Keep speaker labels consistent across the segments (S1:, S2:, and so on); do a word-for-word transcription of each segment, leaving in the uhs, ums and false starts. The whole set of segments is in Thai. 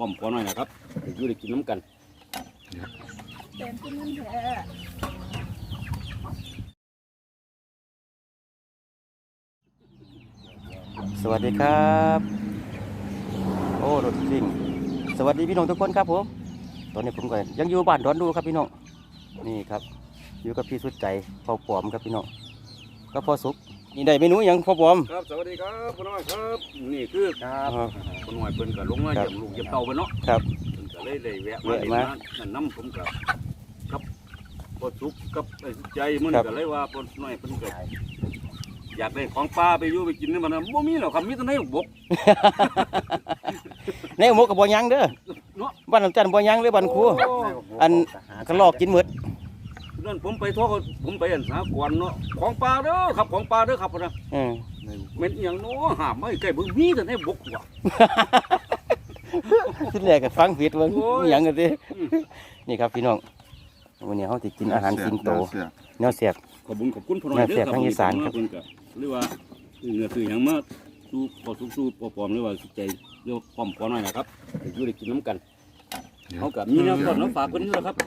S1: ป้อมพอหน่อยนะครับอยู่ได้กินน้ำกัน
S2: เต็มที่นั่นแท้
S3: สวัสดีครับโอ้รถซิ่งสวัสดีพี่น้องทุกคนครับผมตอนนี้ผมก็ยังอยู่บ้านดอนดูครับพี่น้องนี่ครับอยู่กับพี่สุดใจพ่อปอมครับพี่น้องก็พ่อสุกนี่ได้เมนูอย่างพ่อปอม
S1: ครับสวัสดีครับพ่อน้อยครับนี่คือครับพ่อน้อยเพิ่นก็ลงมาเยี่ยมลูกเยี่ยมเต่าไปเนาะ
S3: ครับ
S1: เพิ่นก็เลยได้แวะมาเห็นมานั่นน้ำผมกับกับพ่อสุกกับไอ้สุดใจมันก็เลยว่าพ่อน้อยเพิ่นก็อยากได้ของปลาไปอยู่ไปกินนี่มันบ่มีหรอกครับมีแต่ในบก
S3: ในหมกกับบ่ยังเด้อบ้านน้ำจันทร์บ่ยังเลยบ้านครูอันก็ลอกกินหมด
S1: นั่นผมไปทั่วผมไปอันสากลเนาะของปลาเด้อครับของปลาเด้อครับนะ
S3: เออ
S1: เม็ดอย่างเนาะหามไม่ใกล้บึงมีแต่ในบกว่ะ
S3: ที่แรกก็ฟังผิดว่ามีหยังกันสินี่ครับพี่น้องวันนี้เขาจะกินอาหารสิงโตแนวเสียบ
S1: ขอบคุณขอบคุณพ่อน้อยเด้อครับเพิ่นก็หรือว่าเนื้อคือหยังมาสู้พอสุกสู้ปอปอมหรือว่าใจเรียกป้อมพอน้อยนะครับอยู่ได้กินน้ำกันเขากับมีแนวต้นน้ำฝากเพิ่นอยู่แล้วครับ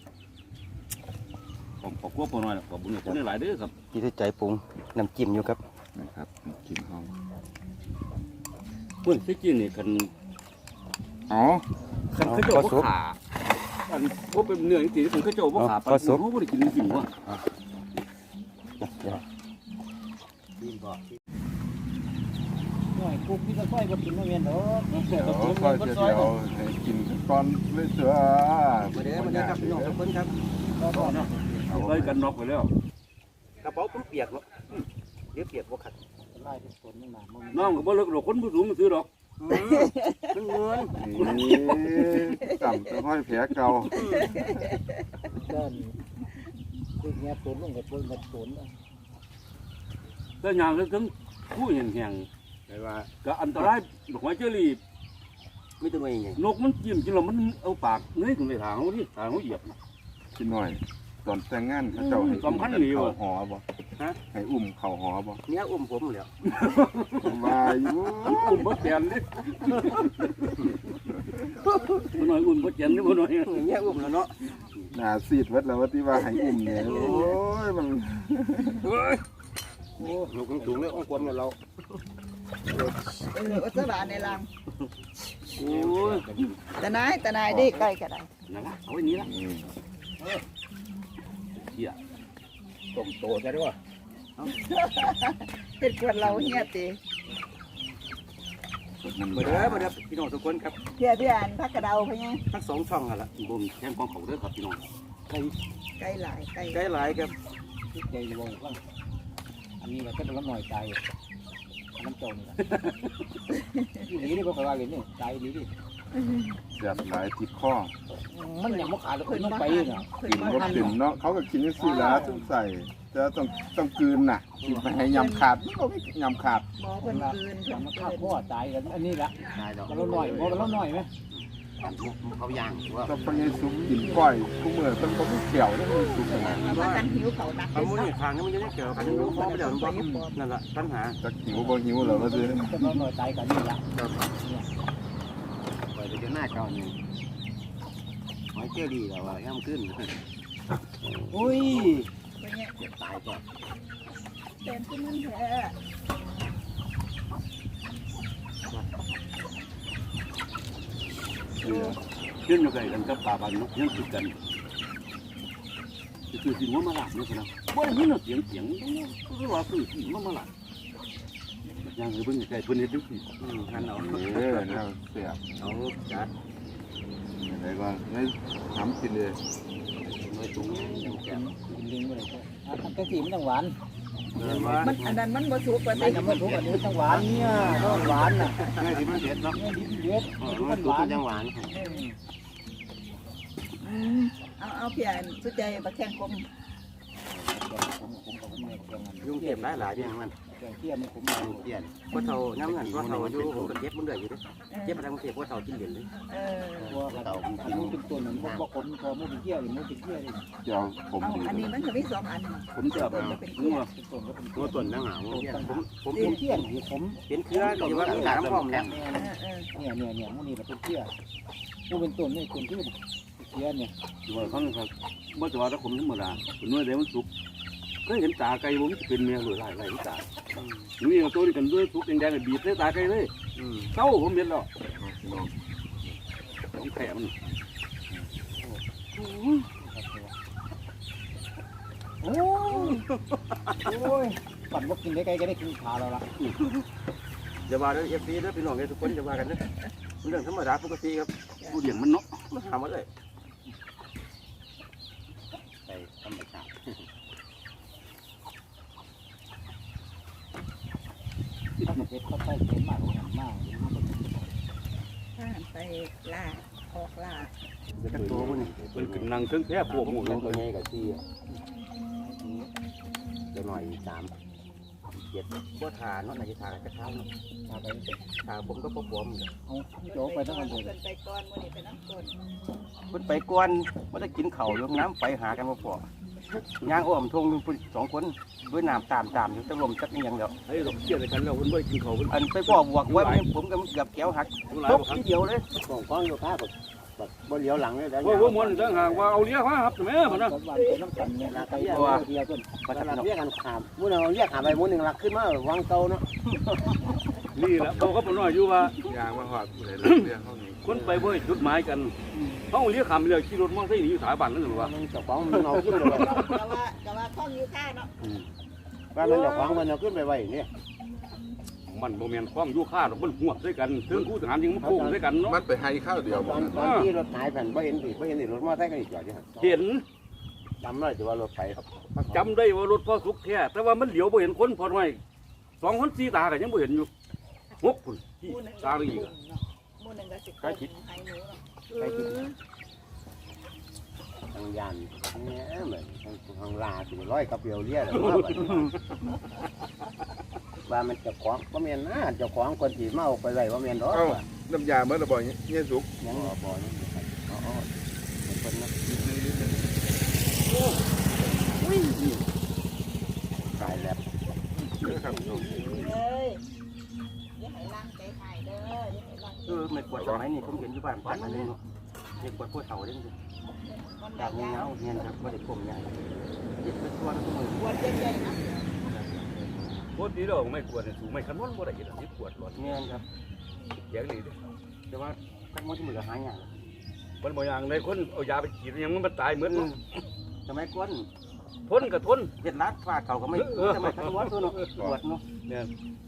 S1: ผมขอบคุณพ่อน้อยขอบคุณคนหลายเด้อครับ
S3: พี่สุดใจปรุงน้ำจิ้มอยู่ครับ
S4: นะครับกินห้อง
S1: เพิ่นที่กินนี่คัน
S4: อ๋อ
S1: คันเขาเจ้าบ่ขาอันบ่เป็นเนื้อจริงๆคันเขาเจ้าบ่ขาปลาสุกบ่ได้กินจริงๆว่ะ
S2: หน่อยกุ๊กพี่ก็ค่อยบ่กินมาเวียนดอก
S4: เดี๋ยวค่อยจะเดี๋ยวให้กินก่อนเลยเสือ
S3: มาเด้อมาเด้อครับพี่น้องทุกคนครับ
S1: เอาไว้กันน็อกไปแล้ว
S3: กระเป๋าผมเปียกเนาะเดี๋ยวเปียกบ่ขัด
S2: ไล่เป็นต้นนี่มาบ่
S1: น้องก็บ่เลิกดอกคนผู้สูงมันซื้อดอก
S3: มันเงิน
S4: นี่ต่ำจะห้อยแผลเก่า
S2: เดินคือเงี้ยต้นลงกับต้นกับต้น
S1: แต่ยางถึงผู้แห้งๆแต่ว่าก็อันตรายดอกไม้เจอรี่
S3: ไม่ตัวเองไง
S1: นกมันจิ้มกินแล้วมันเอาปากเนื้อถึงในทางเขาที่ทางเขาเหยียบ
S4: กินหน่อยตอนแต่งงานเขาเจ้าให้อุ้มเข่าหอบ่ให้อุ้มเข่าหอบ่
S3: เนี้ยอุ้มผมแล้ว
S4: มาอยู่
S1: อุ้มบ่แกนนี่บ่น้อยอุ้มบ่แกนนี่บ่น้อย
S3: เนี้ยอุ้มแล้วเนาะ
S4: หน้าซีดวัดแล้วว่าที่ว่าให้อุ้มเนี่ยโอ้ยมัน
S3: โอ้ลูกสูงเลยอ้วนกวนกับเรา
S2: เออวัสบานในรัง
S1: โอ้ย
S2: แต่นายแต่นายดิใกล้ก็ได้
S1: นั่นละเอาไว้นี้ละเหี้ยต้มโตใช่ด้วย
S2: เฮ็ดกวนเราเฮียติ
S3: มาเด้อมาเด้อพี่น้องทุกคนครับ
S2: เพี่ยพี่อ่านพักกระเดาไปไง
S3: ทั้งสองช่องกันละ
S1: บ่มแทงของเขาเด้อครับพี่น้อง
S3: ไก่
S2: ไก่หลายไก่
S3: ไก่หลายครับ
S2: ใจวงว่าอันนี้เราก็ต้องหน่อยใจน้ำโจนี่ครับนี่นี่ก็ว่าเลยนี่ใจดีดิ
S4: เสียบหลายติดข้อ
S2: มันยังไม่ขาดเลยต้องไปเนาะ
S4: กินก็กินเนาะเขาก็กินนี่สิละต้องใส่จะต้องต้องกืนน่ะกินไปให้ยำขาดมันก็ไม่ยำขาด
S2: หมอคนกืนคน
S3: ข้าวพ่อตายกันอันนี้ละเราหน่อยพอเราหน่อยไหมเขาย่างว่า
S4: ต้องไปซุปกินก้อยทุกเมื่อต้องก็ไม่เกี่ยวต้องมีซุปนะ
S2: มากันหิวเขาหนัก
S3: มันมุ่งทางนี้มันจะได้เกี่ยวกันหิวเพราะไม่เดี๋ยวมันนั่นแหละปัญหา
S4: จะหิวบ่หิวเหรอมาซื้อ
S2: เราหน่อยตายกันนี่ละ
S3: ไปเดี๋ยวหน้าเก่านี่หอยเจอดีแล้วว่าย่ำขึ้น
S2: อุ้ย
S3: ตายก่อน
S2: เต็มที่นั่นแท้
S1: ขึ้นอยู่ไกลกันกับป่าบานนกยังติดกันคือสิ่งว่ามาหลับนี่นะบ่ได้ยินเสียงเสียงคือว่าคือสิ่งว่ามาหลับยังคือเพิ่งใกล้เพิ่งเห็นดูสิท่านเอา
S4: เออเราเสียบ
S3: เอาจัด
S4: อะไรก็ไม่ทำกินเลย
S3: ไม่ตุ้งยังแก่
S2: กินลิงไปเลยอ่ะทำกะทิมันต้องหวานมันอันนั้นมันบะสุกกว่านี้มันสุกอันนี้ต้องหวานเนี่ยต้องหวานน่ะ
S3: นี่ที่มันเด็ดเนาะ
S2: นี่เด็ด
S3: มันหวานยังหวาน
S2: เอาเอาเพียนสุดใจบะแข้งคมผมผมกับผมแม่แกง
S3: ยุ่งเก็บหลายหลายอย่างมัน
S2: แกงเที่ยมผม
S3: เปลี่ยนพวกเท่าน้ำนั่นพวกเท่าอยู่ผมก็เก็บมันเดือยอยู่ด้วยเก็บอะไรมันเก็บพวกเท่ากินเหรียญเลย
S5: เออ
S2: ว่าเราอันนู้นเป็นตัวหนึ่งว่าผมพอมุ้งเที่ยวหรือมุ้งเป็นเที่ยวนี่
S4: เดี๋ยวผม
S5: เอาอันนี้มันก็มีสองอัน
S1: ผมจะแบบนึกว่า
S2: เป็นตัวก็เป็น
S3: ตัวต้นนั่งหางผมผม
S2: ผมเที่ยงผม
S3: เป็นเครือก็ว่ามีหลายน้ำพร้อมแล้ว
S5: เออเออ
S2: เนี่ยเนี่ยเนี่ยมุ้งนี่เป็นเที่ยวมุ้งเป็นต้นนี่คนที่เป็นเที่ยวเนี่ย
S1: ว่าเขาครับเมื่อจะว่าถ้าผมธรรมดาเป็นเมื่อใดมันสุกก็เห็นตาไก่ผมจะเป็นเมียหรือไรไรตานี่เอาตัวนี้กันด้วยสุกแดงๆบีบใส่ตาไก่เลยเศร้าผมเห็นแล้วต้องแผลมัน
S2: โอ้โอ้ยปั่นว่ากินได้ไกลก็ได้กินขาเราละ
S3: จะว่าเอฟซีนะพี่น้องทุกคนจะว่ากันนะเรื่องธรรมดาปกติครับ
S1: ผู้เลี้ยงมันเนาะ
S3: มาทำมาเลย
S4: ใส่ธรรมชาติ
S2: ถ้ามันเป็นข้าวไส้เค็มมากกว่าหันมาก
S5: ถ้าหันไปล่าออกล่า
S3: เดี๋ยวตัวมัน
S1: เป็นกำลังเครื่องแพร่พวกหมู
S3: ตั
S1: เนาะ
S3: วนี้กับที่จะหน่อยสามเจ็ดพวกทานเนาะในทานจะข้าวเนาะ
S2: มาไป
S3: ทาผมก็พบผม
S2: เอาโจ้ไปทั้งวันเลย
S5: เพิ่นไปก่อนมื้อนี้ไปน้ำต้น
S3: มันไปกวนมันจะกินเข่าลงน้ำไปหากันมาพอย่างอ้อมทงสองคนด้วยน้ำตามตามอยู่ตะลมจักนี่ยังเดียว
S1: ไอ้เราเชี่ยกันแล้วคนไม่กินเขาคน
S3: อันไปพ่อบวกไว้ผมก็เกือบแก้วหัก
S1: หลาย
S3: ตก
S1: ครั้ง
S3: ทีเดียวเลย
S4: ของก้อนอยู่ข้าแบบแบบบนเหลียวหลังเลย
S1: ว่าว่ามันต่างหากว่าเอาเลี้ยงครับแม่มันนะ
S2: วันไปน้ำกันเนี่ยไปเที่ยวเที่ยวต้น
S3: ก็จะ
S4: เรียกกันขามมุ้งเราเรียกขามไปมุ้งหนึ่งหลักขึ้นมาวังเก่าเนาะ
S1: นี่แหละเขาก็ปน้อยอยู่ว่า
S6: ยางมาหอดผู้ใดรักเรื่องเขานี่
S1: คนไปเว้ยจุดหมายกันเขาเลี้ยงคำเลี้ยงขี่รถมอเตอร์ไซค์หนีสถาบันนั่นหรือว่า
S4: มันเจ้าของมันเอาขึ้นไปไว้
S5: แต่ว่าแต่ว่าท้องอยู่ค่าเนาะ
S4: ว่ามันเจ้าของมันเอาขึ้นไปไว้เนี่ย
S1: มันโมเมนต์ความอยู่ค่าดอกมันหัวด้วยกันถึงคู่ทหารยิงมันโค้งด้วยกันเนาะ
S6: มันไปให้ข้าวเดียว
S4: ตอนตอนที่รถหายแผ่นไม่เห็นสิไม่เห็นสิรถมอเตอร์ไซค์ก็อีกจอดอยู่
S1: เห็น
S4: จำได้แต่ว่ารถไฟครับ
S1: จำได้ว่ารถพ่อสุกแท้แต่ว่ามันเหลียวบ่เห็นคนพอหน่อยสองคนสี่ตากันยังบ่เห็นอยู่หกคนที่ตาอีก
S5: หมู่หนึงก็สิใครคิดให้หนูเนาะ
S4: ไปกินทางยานเนี่ยเหมือนทางทางลาสิร้อยกับเปียวเรียเลยว่ามันเจ้าของว่าเมียนนะเจ้าของคนที่มาเอาไปไว้ว่าเมียนหรอก
S6: เอ้าน้ำยาเมื่อระบ่อยเนี่ยสุก
S4: ยังบ่อนี่อ๋อคนนะตายแล้ว
S6: ครับ
S5: เลยอย่าให้ล้างใจหายเด้ออย่าให้ล้าง
S3: เออไม่ปวดสมัยนี้ผมเห็นอยู่บ้านบ้านนั่นเองเนาะไม่ปวดพวกเฒ่าเด้ง
S5: มัน
S3: ดาบเงาเงี้ยครับไม่ได้ผมเนี่ยยึดเป็นตัวทุกมือ
S5: ปวดใหญ่ๆนะ
S1: โคตรดีแล้วไม่กวดสูงไม่คันวนบ่ได้ยินนี่ปวดร้อน
S3: เงี้ยครับ
S1: แย่งนี่เด้
S3: แต่ว่าทั้งหมดที่มือหายอย่าง
S1: มันบ่อย่างในคนเอายาไปฉีดยังมันตายเหมือน
S3: สมัยก่อน
S1: ทนกับทน
S3: เจ็ดลัดฟาดเขาก็ไม่สมัยทั้งหมดตัวเนาะปวดเนาะ
S1: เนี่ย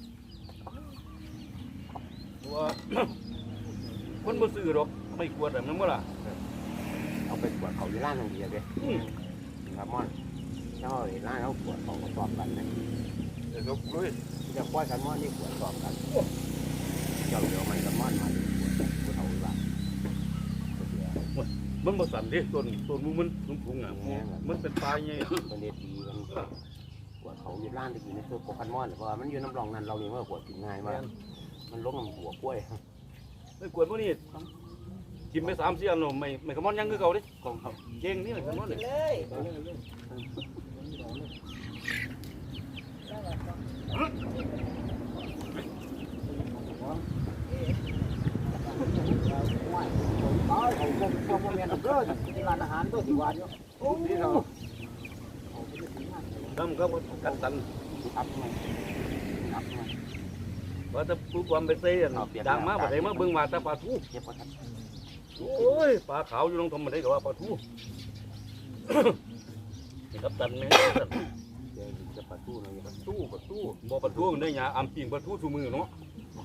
S1: ว่าคนบ่ซื้อหรอกไม่กวดแบบนั้นบ่ล่ะ
S4: เอาไปปวดเขาที่ร้านทางเดียวเลยครับมอนเจ้าร้านเขาปวดเขาก็สอบกันนะ
S6: เดี๋ยวสุกเลย
S4: จะปล่อยกันมอนนี่ปวดสอบกันเจ้าเดี๋ยวมันกันมอนมาปวดเขาว่า
S1: มันบ่สั่นเด้ต้นต้นมูมันสูงๆอ่ะมันเป็นปลายไง
S4: มันเด็ดดีมันปวดเขาอยู่ร้านที่อยู่ในตัวโปคันมอนเพราะว่ามันอยู่น้ำรองนั้นเราเองว่าปวดกินง่ายมากมันล้มกับหัวกล้วย
S1: ไม่กวดพวกนี้กินไปสามสี่อันเนาะไม่ไม่ขมอนยังคือเก่าเด้ของเขาเก่งนี่ไม่ขมอน
S5: ไป
S1: เลย
S5: เลยแล้วก็
S2: ตายเขาคงคงโมเมนต์เด้อที่ร้านอาหารตัวสิวานอยู่โอ้ยเรา
S1: ทำก็กันตัน
S3: อับไงอับไง
S1: ว่าถ้าผู้ความไปเซ่ดังมากบ่ได้มาเบิ่งมาแต่ปลาทู
S3: เจ็บปวด
S1: โอ้ยปลาขาวอยู่ลงทำมาได้ก็ว่าปลาทูกับตันแม่
S4: เดี๋ยวจะปะตู้เลย
S1: ปลาทูปลาทูบ่ปลาทูได้หยาอำปิงปลาทูทุมือเนาะ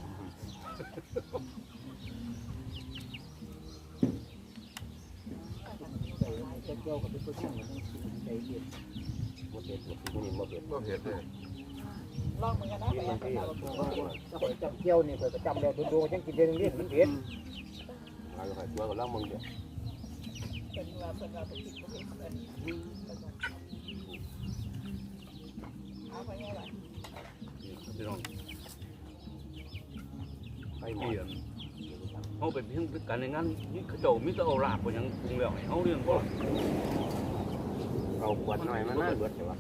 S2: เกี่ยวกับตัวช่างใจเย็น
S4: หมดเด็ดหมดที่นี่หมดเด็ด
S6: ก็เห็นเลย
S5: ลองเหมือนกันนะไปยังไปเอา
S2: ถ้าไปจำเกี่ยวนี่ไปจำแล้วโดนๆยังกินเดือนนี้มันเผ็ด
S4: เราจะไปตัวกับเรามึงเดี๋ยว
S5: เป็นว่าเป็นว่าไปคิดบ่เห็นเพิ่นเอาไปยังไง
S1: พี่น้อง
S4: ไปหมด
S1: เปลี่ยนเขาเป็นเพียงการในงานนี่เขาเจ้ามิตรเอาลาบก็ยังปรุงแล้วให้เขาเรื่องบ่
S4: เอาขวดหน่อยมันน่าเบิดเลยวะ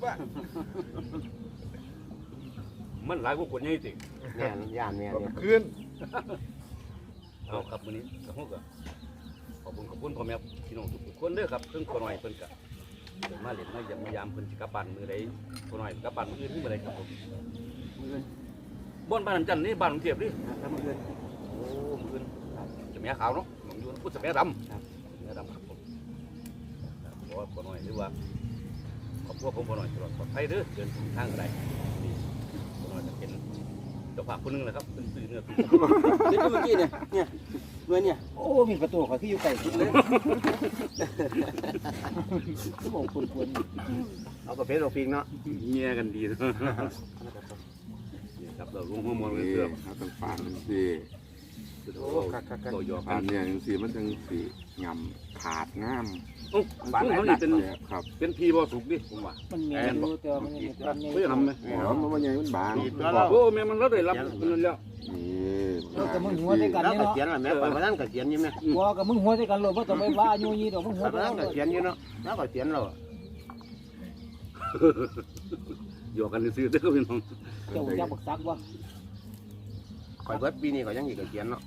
S1: มันหลายกว่าคนใหญ่สิ
S4: แม่นย่านแม่นเนี่ย
S6: ขึ้น
S1: เอาครับมื้อนี้กับพวกก็ขอบคุณขอบคุณพ่อแม่พี่น้องทุกๆคนเด้อครับเพิ่นคนหน่อยเพิ่นก็เดินมาเล่นมาเยี่ยมมายามเพิ่นสิกลับบ้านมื้อใดคนหน่อยกลับบ้านมื้ออื่นมื้อใดครับผม
S3: มืออื่น
S1: บ้านบ้านน้ำจันทร์นี่บ้านกรุงเทพนี่
S3: ครับมืออื่น
S1: โอ้มื้ออื่นจะแม่ขาวเนาะหนองอยู่พุทธแม่ดำครับแม่ดำครับผมเพราะว่าคนหน่อยหรือว่าครอบครัวของคนหน่อยตลอดปลอดภัยเด้อเดินทางใดนี่คนหน่อยจะเป็นเจ้าภาพคนหนึงแหละครับเป็นสื่อเนื้อ
S3: เด็กเมื่อกี้เนี่ยเนี่ยเมื่อเนี่ย
S2: โอ้มีประตูเขาที่อยู่ไกลสุดเลยก็บอกคนควร
S4: เอากระเพาะเราฟิงเนาะ
S1: เมียกันดีนะนี่ครับเราลงหัวมองเลย
S6: นี่
S1: เกือบ
S6: เขาต้องฝานมันสิ
S1: โอ้เราหยอก
S6: ฝา
S1: กัน น
S6: เนี่ยจังสีมันจังสีงำขาดงาม
S1: โอ้บ้านเขานี่เป็น
S6: ครับ
S1: เป็นพีบ่สุกดิผมว่า
S2: มันมีอยู่แต่ว่ามันมีตอนนี้
S1: เฮ้ยทำไหม
S6: อ๋อมันมันใหญ่มันบาง
S1: โอ้แม่มันรับได้รับเงินแล้ว
S6: นี่
S2: เออกับมึงหัวด้วยกัน
S4: แล้ว
S2: เนี่ย
S4: ก็
S2: เนาะ
S4: เขียนละแม่ไปมานั่งก็เขียนอยู่แม่
S2: หัวกับมึงหัวด้วยกันเลยเพราะต้องไปว่าอายุยี่ดอกมึงหัว
S4: ไป
S2: ด้วย
S4: มา
S2: กั
S4: นั่
S2: น
S4: งก็เขียนอยู่เนาะแล้วก็เขียนเรา
S1: หยอกกันซื้อเด้อพี่น้อง
S2: เจ้าจะบักซักวะ
S4: คอยเบิดปีนี้ก็ยังอีกก็เขียนเนาะ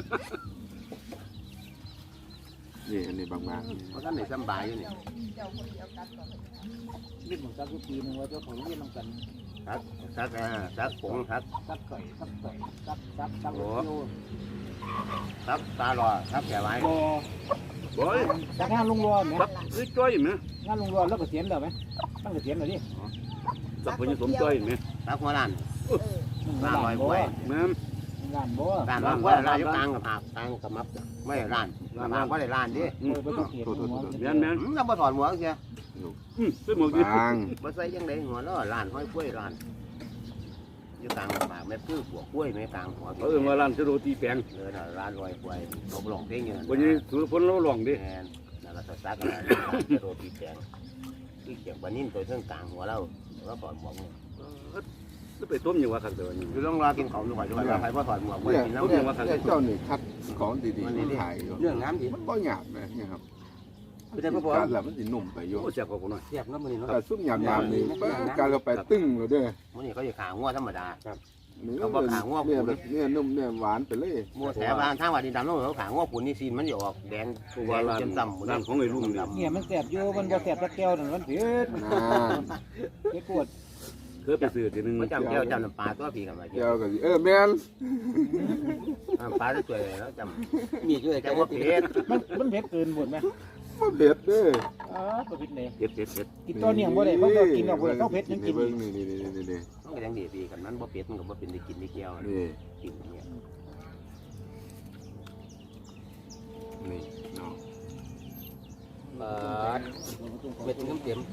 S6: นี่อันนี้บาง
S4: เพราะท่านนี่สบายอยู่นี่
S5: เจ้าคนเดียวกันก่อน
S2: นี่บักซักทุกปีนึงว่าเจ้าของเรียนน้ำกัน
S4: ครับซักอ่าซักผงครับ
S2: ซักไก่ซักไก่ซักซักซักโอ้
S4: ซักตาลอซักแก่ไว้
S2: บ่
S1: บ่อย
S2: ซักงานลุงรอไหม
S1: รับซื้อจ้อยไหม
S2: งานลุงรอแล้วก็เสียนแล้วไหมตั้งแต่เสียนเลยดิ
S1: สับพญสมจ้อยไหม
S4: ซักหัวล้าน
S2: งานบ่
S1: แม่
S2: งานบ่
S4: ร้านว่าว่าร้านอยู่กลางกับผักกลางกับมับไม่ได้ร้านร้านว่าได้ร้านดิ
S2: เออไม่ต้องเสียหัว
S1: แม่นแม่น
S4: อืมเราบ่ถอดหัวเสีย
S1: อืมซื้อหมวกดี
S6: บาง
S4: บ่ใส่ยังไดหัวแล้วร้านห้อยกล้วยร้านอยู่กลางกับผักแม่พื้นหัวกล้วยแม่กลางหัว
S1: เขาเอิ้นว่าร้านสโรตีแปลง
S4: เลยน่ะร้านลอยกล้วยลบหลงเพลงอยู่
S1: วันนี้ถือฝนเราลองดิ
S4: แม่นนั่นละซักอะไรโรตีแกงที่เกี่ยวกับนิ่มตัวเส้นกลางหัวเราแล้วถอดหมวก
S1: จะไปต้มอยู่ว่าครับเดี๋ยวนี้
S4: คือต้องรอกินของด้วยด้วยใครว่าถอดหมวกไว้
S6: เนี่ย
S4: กินน้ำ
S6: เนี่
S4: เนี่ย ย
S6: เจ้านี่คัดของดีๆมาถ่ายอยู่
S3: เรื่องงามดี
S6: มันก็หยาบนะเนี่ยครับ
S3: ไม่ได้พ่อพ่อ
S6: การแล้วมันสินุ่มไปอยู่
S1: โอ้เสียบกว่าคนหน่อย
S3: เสียบน้ำมันนี่เนาะ
S6: แต่ซุปหยาบๆนี่การเราไปตึ้งเลยเด้อ
S4: มื้อนี้เขาจะขางัวธรรมดา
S6: เนื้อ
S4: เขาบอกขางัว
S6: เนี่ยแบบเนี่ยนุ่มเนี่ยหวานไปเลย
S4: มัวแถวบ้านทางว่าดินดำน้องเขาขางัวปุ่นนี่ซีนมันจะออกแดง
S1: ตัว
S4: แด
S1: ว่าง ร้าน
S4: จำจำ
S1: ร้านของไอ้ลุงเนี่ย
S2: เนี่ยมันแสบอยู่มันบ่แสบตะแก้วนั่นมันเผ็ด
S6: นะ
S2: เผ็ดปวด
S1: เคยไปซื้อทีนึง
S4: มันจำแก้วจำน้ำปลาตัวผีกันมา
S6: เจ้าก็สิเออแม่น
S4: ปลาจะสวยแล้วจ
S3: มีด้วย
S4: ำ
S3: กั
S4: แต่
S3: น
S4: ว่าเผ็ด
S2: มันมันเผ็ดเกินหมดไหม
S6: บ่เผ็ดเด้อ
S2: อ๋อก็เผ็ดเลย
S1: เผ็ดเผ็ดเผ็ด
S2: กินตัวเนี่ยบ่ได้เพราะเรากินเราบ่ได้ต้องเผ็ดยังกิน
S6: เบิ่งนี่นี่นี่นี่นี่
S4: มันก็ยังดีดีกันนั้นบ่เผ็ดมันก็บ่เป็นได้กินได้เกี่ยว
S6: นี่
S4: กินเนี่ย
S6: นี่เนาะ
S3: เออเม็ดน้ำเต็ม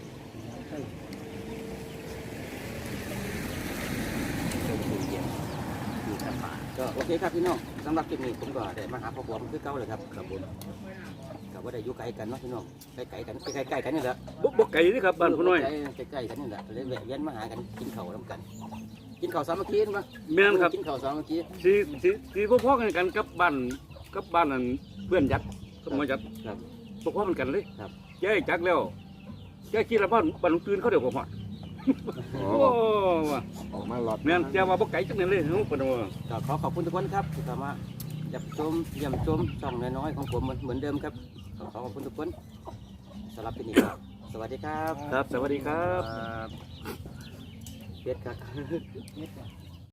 S4: มีแต่ปลา
S3: ก็โอเคครับพี่น้องสำหรับคลิปนี้ผมก็ได้มาหาพ่อบัวมันคือเก่าเลยครับครับผมกับว่าได้อยู่ไกลกันเนาะพี่น้องใกล้ๆกันใกล้ๆกันนี่แหละ
S1: บุกบุกไก่นี่ครับบ้านพ่อน้อย
S3: ใกล้ๆกันนี่แหละเลยแวะเวียนมาหากันกินข้าวน้ำกัน กินข้าวสามัคคีมั้ย
S1: แม่นครับ
S3: กินข้าวสามัคคี
S1: สีสีสีพ่อๆกันกันกับบ้านกับบ้านนั่นเพื่อนยัดสมัยยัด
S3: ครับ
S1: พ่อๆกันกันเลย
S3: ครับ
S1: แกจักแล้วแกคิดแล้วบ้านบ้านลุงตื่นเขาเดี๋ยวผมฮอด
S6: อ๋อ
S1: โอ้ว่ะ
S6: ออกมาหลอด
S1: แม่นแกว่าบ่ไก่จังนั้นเลยเฮ้ยปนว่า
S3: ก็ขอขอบคุณทุกคนครับที่เข้ามาจับชมเยี่ยมชมช่องน้อยๆของผมเหมือนเหมือนเดิมครับขอขอบคุณทุกคนสำหรับที่นี่ครับสวัสดีครับ
S1: ครับสวัสดีครับ
S3: เป็ดครับ
S2: เม็ดอะ